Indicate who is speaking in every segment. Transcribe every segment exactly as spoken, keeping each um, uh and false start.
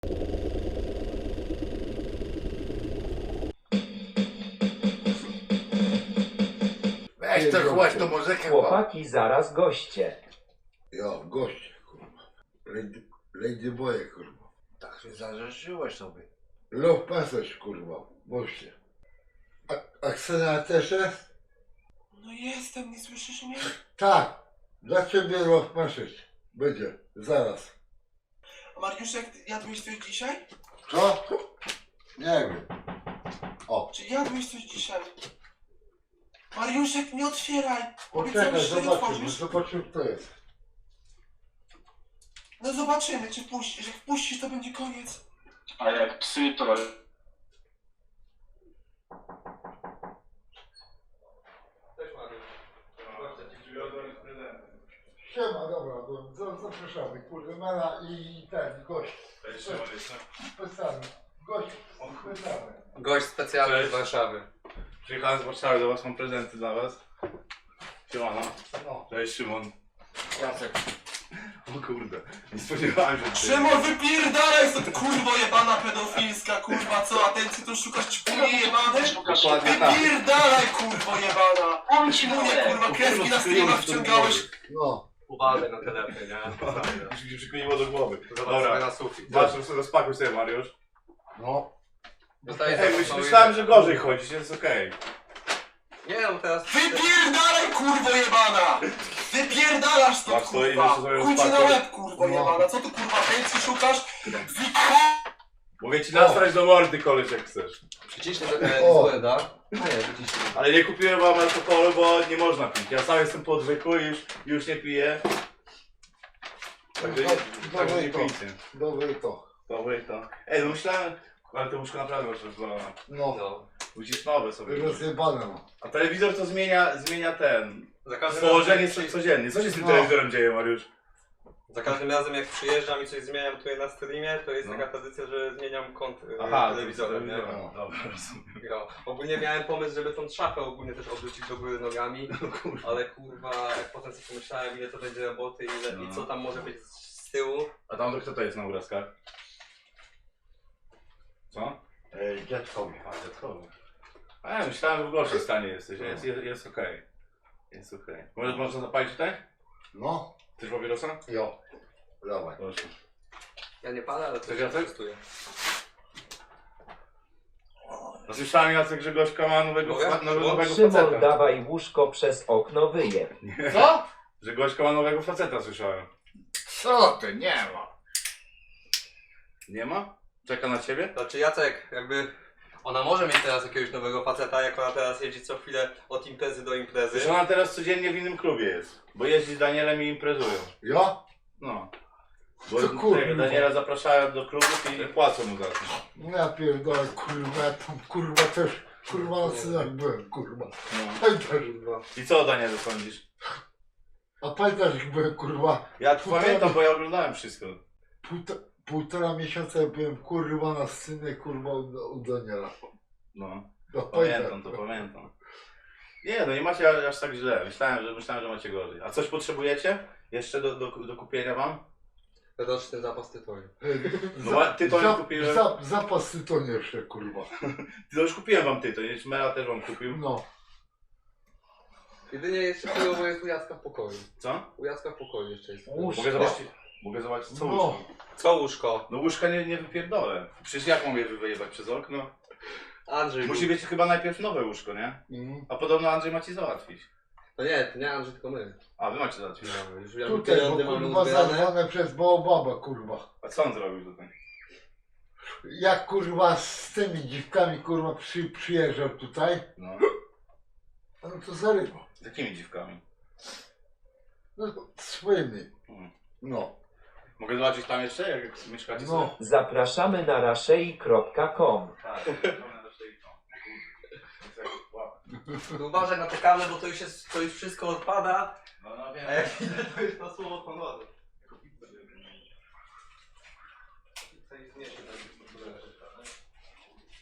Speaker 1: Weź to chłość tą muzykę.
Speaker 2: Chłopaki, zaraz goście.
Speaker 1: Jo, goście, kurwa. Lady, Lady Boye, kurwa.
Speaker 3: Tak się zarzeszyłeś sobie.
Speaker 1: Love Passage, kurwa. Goście. A, a Ksenia też jest?
Speaker 4: No jestem, nie słyszysz mnie?
Speaker 1: Tak. Dla ciebie Love Passage. Będzie. Zaraz.
Speaker 4: A Mariuszek, jadłeś coś dzisiaj?
Speaker 1: Co? Nie wiem. O.
Speaker 4: Czy jadłeś coś dzisiaj? Mariuszek, nie otwieraj!
Speaker 1: Poczekaj,
Speaker 4: Obiecałeś, że nie
Speaker 1: zobaczymy.
Speaker 4: otworzysz?
Speaker 1: Zobaczymy, kto jest.
Speaker 4: No zobaczymy, czy puścisz. Jak puścisz, to będzie koniec.
Speaker 5: A jak psy, to...
Speaker 4: Cześć Mariusz.
Speaker 1: Siema, dobra, to za- zapraszamy. Kurde, Mela i ten, gość. Specjalny. Gość specjalny.
Speaker 6: Gość specjalny
Speaker 7: Cześć.
Speaker 6: z Warszawy.
Speaker 7: Przyjechałem z Warszawy do was, mam prezenty dla was. Siemano.
Speaker 1: No.
Speaker 7: Cześć Szymon.
Speaker 6: Jacek.
Speaker 7: O kurde, nie spodziewałem się. że-
Speaker 4: Szymon, wypierdalaj stąd, kurwo jebana pedofilska, kurwa, co? Atencji tu szukasz, ćpunie jebane?
Speaker 7: Dokładnie tak.
Speaker 4: Wypierdalaj, kurwo jebana! Ćpunie, kurwa, kreski na streamach wciągałeś.
Speaker 1: No.
Speaker 6: Uważaj na telefon, nie?
Speaker 7: Już mi się przykleiło do głowy.
Speaker 6: Zobacz sobie
Speaker 7: Dobra,
Speaker 6: na sufit.
Speaker 7: zacznę sobie, rozpakuj sobie Mariusz.
Speaker 1: No.
Speaker 6: Dostaję
Speaker 7: Ej,
Speaker 6: za-
Speaker 7: myśl,
Speaker 6: za-
Speaker 7: myślałem, że gorzej chodzić, jest okej.
Speaker 6: Nie no, teraz...
Speaker 4: Wypierdalaj, kurwo jebana! Wypierdalasz stąd,
Speaker 7: Masz to i
Speaker 4: kurwa!
Speaker 7: jeszcze sobie
Speaker 4: Chuj ci na
Speaker 7: rozpakuj.
Speaker 4: łeb, kurwo
Speaker 1: No.
Speaker 4: jebana! Co tu, kurwa, atencji szukasz?
Speaker 7: Mogę ci nastrać do mordy, koleś, jak chcesz.
Speaker 6: Przyciśnij trochę
Speaker 1: O.
Speaker 6: złe, da? A nie, wyciśnij.
Speaker 7: Ale nie kupiłem wam alkoholu, bo nie można pić. Ja sam jestem po odwyku i już, już nie piję. Także,
Speaker 1: Do-
Speaker 7: także
Speaker 1: dobre
Speaker 7: nie
Speaker 1: to.
Speaker 7: pijcie.
Speaker 1: Dobre to.
Speaker 7: Dobre i to. Ej, no myślałem, ale to łóżko naprawdę masz rozwalone.
Speaker 1: No.
Speaker 6: No.
Speaker 7: Musisz nowe sobie.
Speaker 1: Rozjebane no.
Speaker 7: A telewizor to zmienia, zmienia ten.
Speaker 6: Za każdym,
Speaker 7: Położenie
Speaker 6: razem,
Speaker 7: co, codziennie. Co się z tym
Speaker 1: No.
Speaker 7: telewizorem dzieje, Mariusz?
Speaker 6: za każdym razem jak przyjeżdżam i coś zmieniam tutaj na streamie, to jest
Speaker 7: No.
Speaker 6: taka tradycja, że zmieniam kąt y,
Speaker 7: Aha,
Speaker 6: telewizorem, nie?
Speaker 7: telewizorem. Dobra, rozumiem.
Speaker 6: No. Ogólnie miałem pomysł, żeby tą szafę ogólnie też odwrócić do góry nogami,
Speaker 7: No kurwa.
Speaker 6: ale kurwa, jak potem sobie pomyślałem, ile to będzie roboty ile,
Speaker 7: No.
Speaker 6: i co tam może być z, z tyłu.
Speaker 7: A tam to kto to jest na obrazkach? Co?
Speaker 1: Ej, dziadkowi.
Speaker 7: A, dziadkowy. A ja myślałem, że w gorszym stanie jesteś. Jest, jest, jest okej. Jest okej. Może można zapalić tutaj?
Speaker 1: No.
Speaker 7: Chcesz papierosa?
Speaker 1: Jo. Dawaj.
Speaker 7: Proszę.
Speaker 6: Ja nie palę, ale to
Speaker 7: Chcesz,
Speaker 6: się
Speaker 7: Jacek?
Speaker 6: testuję.
Speaker 7: No słyszałem, Jacek, że Gośka ma nowego,
Speaker 6: Mogę?
Speaker 7: fa- nowego, nowego
Speaker 2: Szymon,
Speaker 7: faceta.
Speaker 2: dawaj łóżko przez okno wyjeb.
Speaker 1: Co?
Speaker 7: Że Gośka ma nowego faceta, słyszałem.
Speaker 3: Co ty, nie ma.
Speaker 7: Nie ma? Czeka na ciebie?
Speaker 6: Znaczy Jacek, jakby ona może mieć teraz jakiegoś nowego faceta, jak ona teraz jeździ co chwilę od imprezy do imprezy.
Speaker 7: Zresztą ona teraz codziennie w innym klubie jest. Bo jeździ z Danielem i imprezują.
Speaker 1: Ja?
Speaker 7: No. Bo
Speaker 1: Co kurwa?
Speaker 7: tego Daniela zapraszają do klubów i płacą mu za to.
Speaker 1: No ja pierdolę, kurwa, ja tam kurwa też, kurwa na synach byłem, kurwa.
Speaker 7: No.
Speaker 1: Pamiętasz, kurwa.
Speaker 7: I co o Danielu sądzisz?
Speaker 1: A pamiętasz, jak byłem, kurwa,
Speaker 7: Ja
Speaker 1: Półtora-
Speaker 7: pamiętam, bo ja oglądałem wszystko.
Speaker 1: półta, półtora miesiąca jak byłem, kurwa, na synie, kurwa, u, u Daniela.
Speaker 7: No.
Speaker 1: No,
Speaker 7: Pamiętam to, pamiętam. Nie, no nie macie aż tak źle. Myślałem, że myślałem, że macie gorzej. A coś potrzebujecie? Jeszcze do, do, do kupienia wam?
Speaker 6: Roczny zapas tytoniu.
Speaker 7: No, a ty to nie kupiłem.
Speaker 1: Za, zapas tytonie jeszcze, kurwa.
Speaker 7: Ty to już kupiłem wam ty, to nie Mela też wam kupił.
Speaker 1: No.
Speaker 6: Jedynie jeszcze chujowo jest u Jacka w pokoju.
Speaker 7: Co?
Speaker 6: U Jacka w pokoju jeszcze jest.
Speaker 1: Łóżko.
Speaker 7: Mogę zobaczyć, mogę zobaczyć co
Speaker 1: No.
Speaker 7: łóżko.
Speaker 6: Co łóżko?
Speaker 7: No łóżka nie, nie wypierdolę. Przecież jak mogę wyjebać przez okno?
Speaker 6: Andrzej.
Speaker 7: Musi być chyba najpierw nowe łóżko, nie?
Speaker 1: Mm.
Speaker 7: A podobno Andrzej ma ci załatwić.
Speaker 6: No nie, to nie Andrzej, tylko my.
Speaker 7: A, wy macie załatwić.
Speaker 6: No, już ja
Speaker 1: Tutaj, bo
Speaker 6: pieniądze mamy
Speaker 1: kurwa
Speaker 6: uzbierane.
Speaker 1: zarwane przez Baobaba, kurwa.
Speaker 7: A co on zrobił tutaj?
Speaker 1: Jak kurwa z tymi dziwkami, kurwa, przy, przyjeżdżał tutaj,
Speaker 7: No.
Speaker 1: no to zarywał.
Speaker 7: Z jakimi dziwkami?
Speaker 1: No swoimi.
Speaker 7: Mhm.
Speaker 1: No.
Speaker 7: Mogę zobaczyć tam jeszcze, jak mieszkacie
Speaker 1: No.
Speaker 7: sobie?
Speaker 2: Zapraszamy na raszei kropka com.
Speaker 7: Tak,
Speaker 6: Tu uważaj na te kable, bo to już jest, to już wszystko odpada.
Speaker 7: no, no wiem.
Speaker 6: A jak idę, to już na słowo honoru.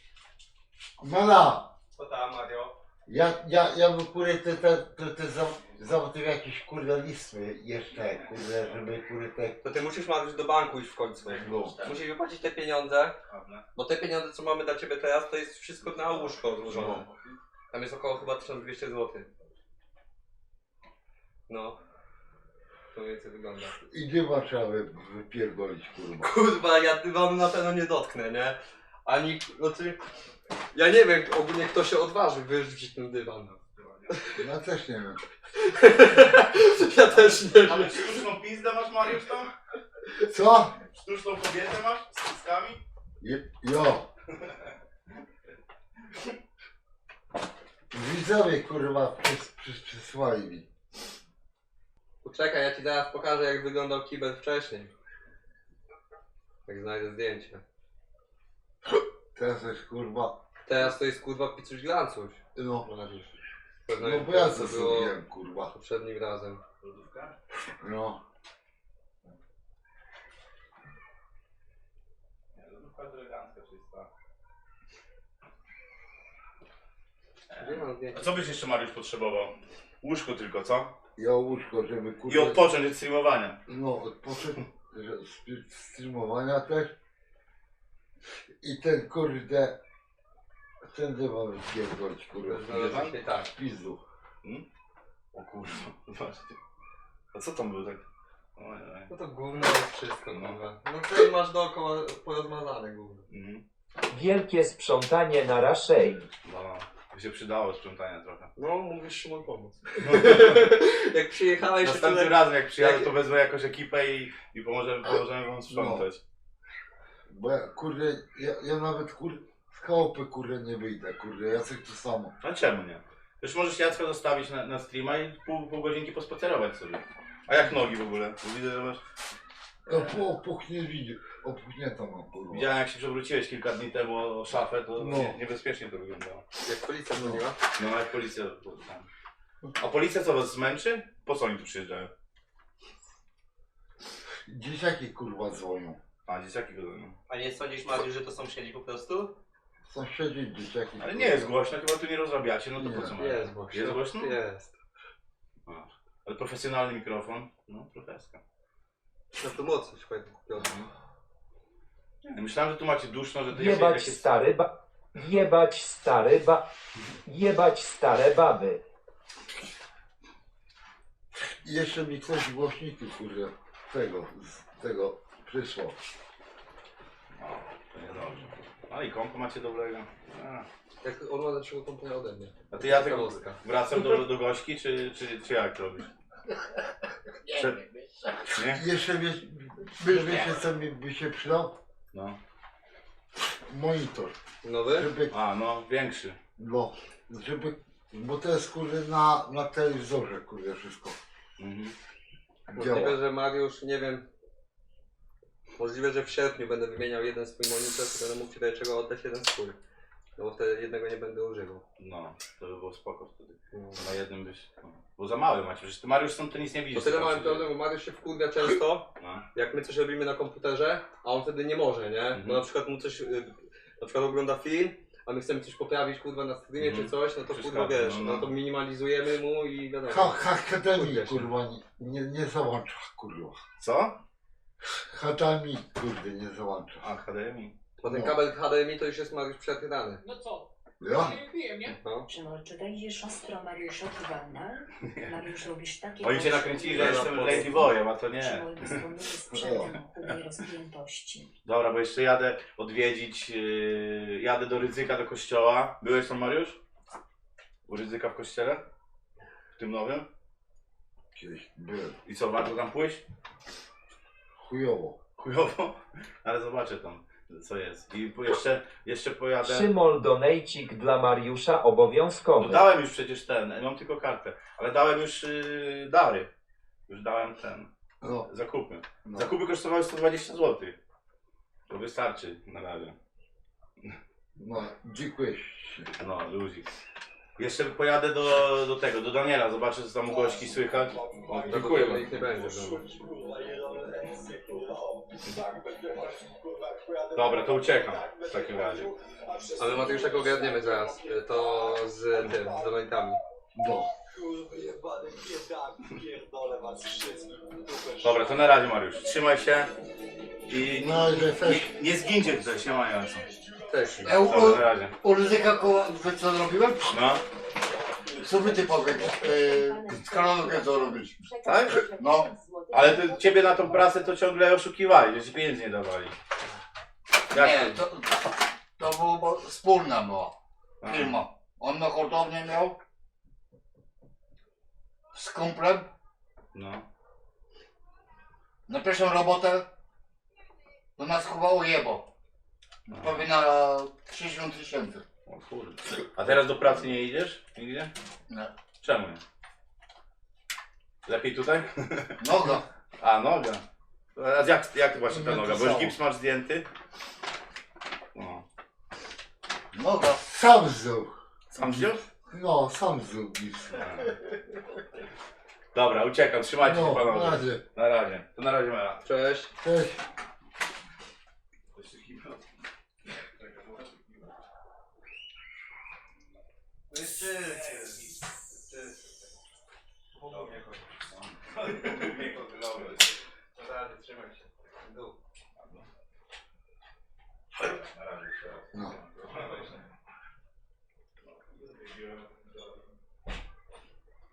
Speaker 1: Mela,
Speaker 6: Co tam, Mario?
Speaker 1: ja, ja, ja wykuję te, te, te, te za, Załatwię jakieś kurde listy jeszcze, kurde, żeby kurde te...
Speaker 6: To ty musisz Mariusz do banku iść w końcu.
Speaker 1: No.
Speaker 6: Musisz wypłacić te pieniądze, bo te pieniądze co mamy dla ciebie teraz to jest wszystko na łóżko złożone. Tam jest około chyba tysiąc dwieście złotych. No. To mniej więcej wygląda.
Speaker 1: I dyma trzeba wy- wypierdolić, kurwa.
Speaker 6: Kurwa, ja dywanu na pewno nie dotknę, nie? Ani, no ty... Ja nie wiem ogólnie kto się odważy wyrzucić ten dywan.
Speaker 1: Ja też nie wiem.
Speaker 6: Ja też nie
Speaker 7: Ale
Speaker 6: wiem.
Speaker 7: sztuczną pizdę masz, Mariusz, tam?
Speaker 1: Co?
Speaker 7: Sztuczną kobietę masz z cyckami?
Speaker 1: Je, jo. Widzowie, kurwa, przys, przys, przysłali mi.
Speaker 6: Poczekaj, ja ci zaraz pokażę jak wyglądał kibel wcześniej. Jak znajdę zdjęcie.
Speaker 1: Teraz jest kurwa...
Speaker 6: Teraz to jest kurwa picuś glancuś.
Speaker 1: No,
Speaker 6: Mariusz. Pewno
Speaker 1: no
Speaker 6: jak
Speaker 1: bo ja
Speaker 6: to
Speaker 1: to
Speaker 6: było
Speaker 1: zrobiłem, kurwa.
Speaker 6: poprzednim razem.
Speaker 7: Lodówka?
Speaker 1: No.
Speaker 7: Nie, lodówka jest elegancka, czysta.
Speaker 6: Gdzie mam
Speaker 7: A
Speaker 6: zdjęcie?
Speaker 7: co byś jeszcze, Mariusz, potrzebował? Łóżko tylko, co?
Speaker 1: Ja łóżko, żeby
Speaker 7: I
Speaker 1: kurwa...
Speaker 7: odpocząć od streamowania.
Speaker 1: No, odpocząć że z streamowania też. I ten kurde... Ten dywan wypierdolić, kurwa.
Speaker 6: Znalazłem się tak.
Speaker 1: W pizdu.
Speaker 7: O kurwa, zobaczcie. A co tam było tak? Oj, oj.
Speaker 6: No to gówno jest wszystko, kurwa. No to masz dookoła porozmazane gówno.
Speaker 7: Mhm.
Speaker 2: Wielkie sprzątanie na Raszei.
Speaker 7: No, by się przydało sprzątania trochę.
Speaker 6: No, mówisz Szymon pomóc. Jak przyjechałeś jeszcze
Speaker 7: Następnym
Speaker 6: tutaj...
Speaker 7: razem jak przyjadę,
Speaker 6: jak-
Speaker 7: to wezmę jakąś ekipę i, i pomożemy, pomożemy wam sprzątać.
Speaker 1: Bo ja, kurde, ja, ja nawet kurde, z chałupy kurde nie wyjdę, kurde, ja chcę to samo.
Speaker 7: A czemu nie? Już możesz Jacka zostawić na, na streama i pół, pół godzinki pospacerować sobie. A jak nogi w ogóle? Bo widzę, że masz...
Speaker 1: No po opuchnie widzi, opuchnięta mam kurwa.
Speaker 7: Widziałem jak się przewróciłeś kilka dni temu o szafę, to
Speaker 1: No.
Speaker 7: nie, niebezpiecznie to wyglądało.
Speaker 6: Jak policja dzwoniła?
Speaker 7: No jak policja... tam. A policja co, was zmęczy? Po co oni tu przyjeżdżają?
Speaker 1: Dzieciaki kurwa dzwonią.
Speaker 7: A, dzieciaki go no.
Speaker 6: A nie sądzisz, Mariusz, że to sąsiedzi po prostu?
Speaker 1: Sąsiedzi, dzieciaki.
Speaker 7: Ale nie jest głośno, chyba tu nie rozrabiacie, no to
Speaker 1: Nie.
Speaker 7: po co mają?
Speaker 6: Jest głośno.
Speaker 7: Jest głośno?
Speaker 6: Jest.
Speaker 7: A, ale profesjonalny mikrofon? No, profeska.
Speaker 6: No to mocno się fajnie kupione.
Speaker 7: Nie, myślałem, że tu macie duszno, że to
Speaker 2: Jebać
Speaker 7: jakieś...
Speaker 2: stary ba... Jebać stary ba... Jebać stare baby.
Speaker 1: I jeszcze mi ktoś głośniki kurde, tego, z tego przysłał.
Speaker 7: No, to niedobrze. Ale i kompo macie dobrego. A,
Speaker 6: Jak on ma lepszego komputera ode mnie.
Speaker 7: A ty ja tego
Speaker 6: Ciekawostka.
Speaker 7: wracam do, do gośki, czy, czy, czy jak robisz? Przed... Nie?
Speaker 1: Jeszcze wiesz, wiesz, wiecie co mi by się przydał?
Speaker 7: No.
Speaker 1: Monitor.
Speaker 6: Nowy?
Speaker 1: Żeby,
Speaker 7: A, no, większy.
Speaker 1: no, żeby, bo to jest kurde na, na telewizorze kurde wszystko
Speaker 7: Mhm.
Speaker 6: Możliwe,
Speaker 1: działa.
Speaker 6: że Mariusz, nie wiem. Możliwe, że w sierpniu będę wymieniał jeden swój monitor, to będę mógł ci do czego oddać jeden swój. No bo wtedy jednego nie będę używał.
Speaker 7: No, to by było spoko wtedy.
Speaker 6: No.
Speaker 7: Na jednym byś... No. Bo za mały macie, przecież ty Mariusz stąd to nic nie
Speaker 6: To
Speaker 7: widzisz.
Speaker 6: tyle
Speaker 7: co tam
Speaker 6: mamy
Speaker 7: się dzieje.
Speaker 6: problem, bo Mariusz się wkurwia często,
Speaker 7: No.
Speaker 6: jak my coś robimy na komputerze, a on wtedy nie może, nie?
Speaker 7: Mhm.
Speaker 6: Bo na przykład mu coś, y, na przykład ogląda film, a my chcemy coś poprawić kurwa na streamie
Speaker 7: Mhm.
Speaker 6: czy coś, no to
Speaker 7: Przeszkadza,
Speaker 6: kurwa wiesz,
Speaker 7: no,
Speaker 6: no,
Speaker 7: no.
Speaker 6: to minimalizujemy mu i wiadomo.
Speaker 1: Ha, ha, Akademii
Speaker 6: Kurde się.
Speaker 1: kurwa nie, nie, nie załącza kurwa.
Speaker 7: Co?
Speaker 1: Akademii kurde nie załącza.
Speaker 7: A, H D M I.
Speaker 6: Bo ten
Speaker 1: No.
Speaker 6: kabel H D M I to już jest Mariusz przetrydany.
Speaker 8: No co?
Speaker 1: Ja?
Speaker 8: Nie wiem, nie?
Speaker 6: No.
Speaker 9: Czy, czy wejdziesz ostro Mariuszowi Wanda? Mariusz robisz takie...
Speaker 7: Oni cię
Speaker 9: rzeczy,
Speaker 7: nakręcili, że
Speaker 6: Ja
Speaker 7: jestem
Speaker 6: na
Speaker 7: Lady Boyem, a to
Speaker 9: Czy
Speaker 7: nie.
Speaker 9: moje dysponuję sprzętem chudej rozpiętości.
Speaker 7: Dobra, bo jeszcze jadę odwiedzić, yy, jadę do Rydzyka, do kościoła. Byłeś tam, Mariusz? U Rydzyka w kościele? W tym nowym?
Speaker 1: Kiedyś byłem.
Speaker 7: I co, warto tam pójść?
Speaker 1: Chujowo.
Speaker 7: Chujowo? Ale zobaczę tam, co jest. I po- jeszcze, jeszcze pojadę...
Speaker 2: Szymol donejcik dla Mariusza
Speaker 7: No
Speaker 2: obowiązkowy.
Speaker 7: dałem już przecież ten, mam tylko kartę, ale dałem już yy, dary. Już dałem ten,
Speaker 1: No,
Speaker 7: zakupy.
Speaker 1: no.
Speaker 7: Zakupy kosztowały sto dwadzieścia złotych. To wystarczy na razie.
Speaker 1: No, dziękuję ci.
Speaker 7: No, luzik. Jeszcze pojadę do, do tego, do Daniela, zobaczę co tam u gośki słychać. O, dziękuję
Speaker 6: No,
Speaker 7: wam.
Speaker 6: ich nie będzie. No.
Speaker 7: Dobra, to uciekam w takim razie.
Speaker 6: Ale Mateuszek ogarniemy zaraz, y, to z tym, z donatami.
Speaker 1: No.
Speaker 6: jebany biedak, pierdolę was wszystkich w dupę.
Speaker 7: Dobra, to na razie Mariusz. Trzymaj się i
Speaker 1: Na razie, cześć.
Speaker 7: nie, nie zgincie tutaj, się mają.
Speaker 6: Też.
Speaker 1: E, u,
Speaker 7: Dobra, na razie.
Speaker 1: u ryzyka koło, wiesz co zrobiłem?
Speaker 7: No,
Speaker 1: Co by ty powiedz? Yy, z kanału co robić?
Speaker 7: tak?
Speaker 1: No.
Speaker 7: Ale ty, ciebie na tą prasę to ciągle oszukiwali, że ci pieniędzy nie dawali. Jak
Speaker 1: Nie, to, to było, bo wspólna była
Speaker 7: Aha.
Speaker 1: firma. On na hurtownię miał z kumplem
Speaker 7: No.
Speaker 1: na pierwszą robotę, to nas chyba ujebał. Prawie na sześćdziesiąt tysięcy.
Speaker 7: O kurde. A teraz do pracy nie idziesz? Nigdzie?
Speaker 1: Nie.
Speaker 7: Czemu nie? Lepiej tutaj?
Speaker 1: Noga.
Speaker 7: A, noga. A jak, jak właśnie ta
Speaker 1: Nie, to
Speaker 7: noga? Bo już
Speaker 1: samo.
Speaker 7: gips masz zdjęty? No.
Speaker 1: Noga. Sam zdjął.
Speaker 7: Sam wziął?
Speaker 1: No, sam zdjął gips.
Speaker 7: Dobra, uciekam, trzymajcie się
Speaker 1: No, na
Speaker 7: panowie.
Speaker 1: razie.
Speaker 7: Na razie. To na razie Mela.
Speaker 6: Cześć.
Speaker 1: Cześć.
Speaker 7: Dobra, trzymaj się. Dół.